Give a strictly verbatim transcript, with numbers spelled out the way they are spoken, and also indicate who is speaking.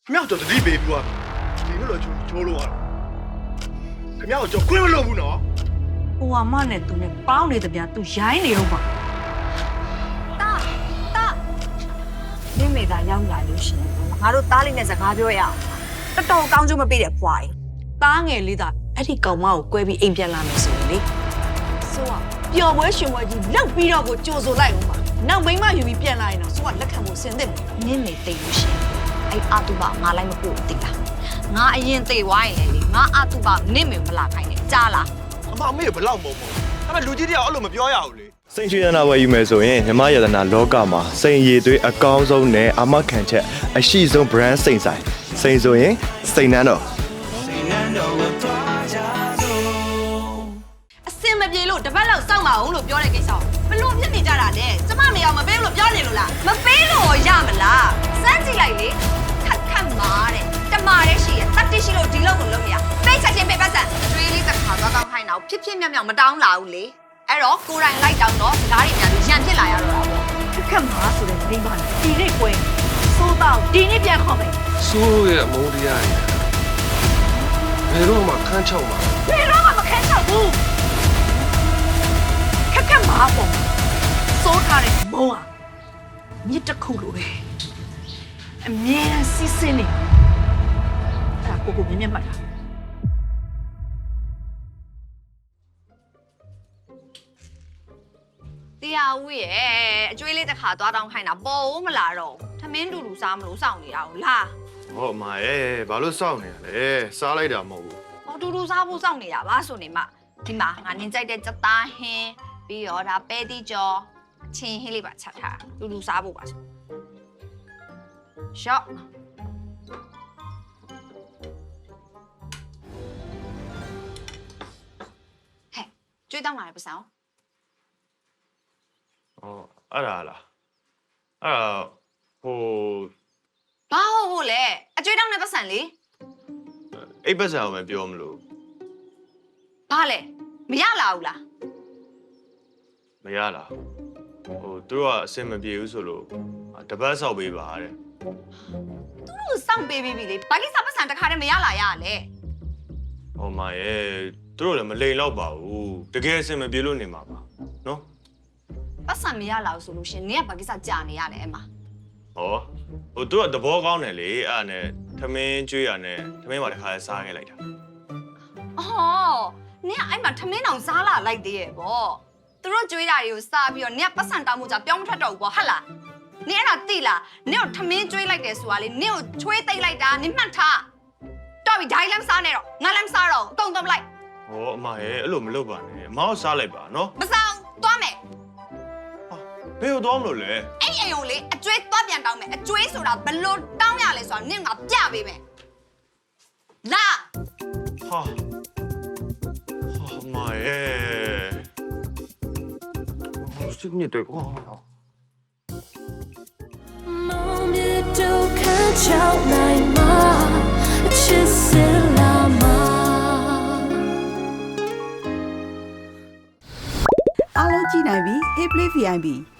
Speaker 1: မြောက်တော့တတိပေးပြီးသွားဒီလိုတော့ချိုးချိုးလို့ရခင်ဗျားကိုကြောခွင့်မလို့ဘူးနော်
Speaker 2: ဟိုအမနဲ့သူနဲ့ပေါင်းနေတပြားသူရိုင်းနေတော့ပါတာတာနေမေသာရောက်လာလို့ရှင်ငါတို့တားလေးနဲ့စကားပြောရအောင်တော်တော်ကောင်းကျိုးမပေးတဲ့ဖွားကြီးတားငယ်လေးသာအဲ့ဒီကောင်မကိုကွဲပြီးအိမ်ပြန်လာမယ်ဆိုရင်လေဆိုတော့ပျော်ပွဲရှင်ပွဲကြီးလောက်ပြီးတော့ကိုကြိုဆိုလိုက်ဦးပါနောက်မိမယူပြီးပြန်လာရင်တော့ဆိုကလက်ခံဖို့ဆင်သင့်တယ်နင်းနေတိတ်လို့ရှင်အဲ့အာတူပါငါလိုက်မပို့သိလားငါအရင်သိသွားရင်လေငါအာတူပါနင့်မေမလာခိုင်းနဲ့ကြားလား
Speaker 1: အမအမေဘလောက်မုံမုံဒါပေမဲ့လူကြီးတယောက်အဲ့လိုမပြောရဘူးလေ
Speaker 3: စိန်ရွှေရနာဝယ်ယူမယ်ဆိုရင်မြမရတနာလောကမှာစိန်ရည်သွေးအကောင်းဆုံးနဲ့အမခံချက်အရှိဆုံး brand စိန်ဆိုင်စိန်ဆိုရင်စိန်နန်းတော်
Speaker 2: အစင်မပြေလို့တပတ်လောက်စောင့်ပါအောင်လို့ပြောတဲ့ကိစ္စဘလို့ဖြစ်နေကြတာလဲကျမမေအောင်မပေးလို့ပြောနေလို့လားမပေးလို့ရမလားစမ်းကြည့်လိုက်လေခက်ခက်မာတဲ့တမာတဲ့ရှိရတတ်တိရှိလို့ဒီလောက်ကိုလုပ်မရပိတ်ချက်ချင်းပိတ်ပတ်စံအတွေးလေးတစ်ခါသွားကောင်းခိုင်းတော့ဖြစ်ဖြစ်မြောက်မြောက်မတောင်းလာဘူးလေအဲ့တော့ကိုယ်တိုင်လိုက်တောင်းတော့ဓာတ်တွေများပြီးရန်ဖြစ်လာရတော့တာပေါ့ခက်ခက်မာဆိုတဲ့မိန်းမနဲ့ဒီနေ့ကွယ်စိုးတော့ဒီနေ့ပြန်ခေါ်မယ်
Speaker 4: ဆိုးရဲ့အမုန်းတရားကြီးဘယ်တော့မှခန်းချောက်မှာ
Speaker 2: ဘယ်တော့မှမခဲချောက်ဘူးခက်ခက်မာပေါ့စိုးထားတဲ့မုံอ่ะမြစ်တစ်ခုလိုပဲအမြဲတမ်းစီးစင်းနေအဲ့ဒါကိုကိုမြင်မြင်မှတ်တာတရားဦးရဲ့အကျွေးလေးတစ်ခါသွားတောင်းခိုင်းတာပေါ်ဦးမလားတော့ထမင်းတူတူစားမလို့စောင့်နေတာဟုတ်လား
Speaker 3: ဟုတ်အမရဲ့ဘာလို့စောင့်နေရလဲစားလိုက်တာမဟုတ်ဘူး
Speaker 2: ဟောတူတူစားဖို့စောင့်နေတာပါဆိုနေမှဒီမှာငါနင်းကြိုက်တဲ့စသားဟင်းပြီးတော့ဒါပဲတိကျော်အချင်းဟင်းလေးပါချက်ထားတူတူစားဖို့ပါဆိုရှော့ဟဲ့ကျွေးတောင်းလာတယ်ပစံ
Speaker 3: ဟောအဲ့ဒါလားအဲ့ဒါဟို
Speaker 2: ဘာဟုတ်ဟုတ်လဲအကျွေးတောင်းတဲ့ပစံလေ
Speaker 3: အိပ်ပတ်စံအောင်မပြောမလို့
Speaker 2: ဘာလဲမရလာဘူးလား
Speaker 3: မရလားဟိုသူတို့ကအဆင်မပြေဘူးဆိုလို့တပတ်ဆောက်ပေးပါတဲ့
Speaker 2: သူတို့စောင့်ပေးပြီးပြီလေဘာကိစ္စပစံတစ်ခါတည်းမရလာရလဲ
Speaker 3: ဟိုမရဲ့သူတို့လည်းမလိန်တော့ပါဘူးတကယ်အဆင်မပြေလို့နေမှာပါနော်
Speaker 2: ပတ်စံမရလာဘူးဆိုလို့ရှင်နင်ကဘာကိစ္စကြာနေရလဲအမ
Speaker 3: ဟောဟိုသူကသဘောကောင်းတယ်လေအဲ့ဒါနဲ့ထမင်းကျွေးရနဲ့ထမင်းပါတစ်ခါစားခဲ့လိုက်တာ
Speaker 2: အော်နင်ကအဲ့မှာထမင်းတောင်စားလာလိုက်သေးရဲ့ပေါ့သူတို့ကြွေးတာတွေကိုစားပြီးတော့နင်ကပတ်စံတောင်းမှုကြပြောင်းမထွက်တော့ဘူးပေါ့ဟုတ်လားနင်အဲ့ဒါသိလားနင်ကိုထမင်းကျွေးလိုက်တယ်ဆိုတာလေနင်ကိုချွေးသိမ့်လိုက်တာနင်မှတ်ထားတော့ပြီဓာတ်လမ်းစားနေတော့ငါလည်းမစားတော့အကုန်တော့လိုက်
Speaker 3: ဟောအမရဲ့အဲ့လိုမလုပ်ပါနဲ့အမအောင်စားလိုက်ပါနော်
Speaker 2: မစားအောင်သွားမယ်
Speaker 3: ဘယ်လိုသွားမလို့လဲ
Speaker 2: အဲ့အိမ်ုံလေအကျွေးသွားပြန်တောင်းမယ်အကျွေးဆိုတာဘလို့တောင်းရလဲဆိုတာနင်ကပြပေးမယ်လာ
Speaker 3: ဟာဟာမရဲ့စိတ်ညစ်တယ်ကွာ
Speaker 5: 梦里都看着来吗？其实了吗？
Speaker 6: အားလုံးကြည့်နိုင်ပြီ Hey Play ဗီ အိုင် ပီ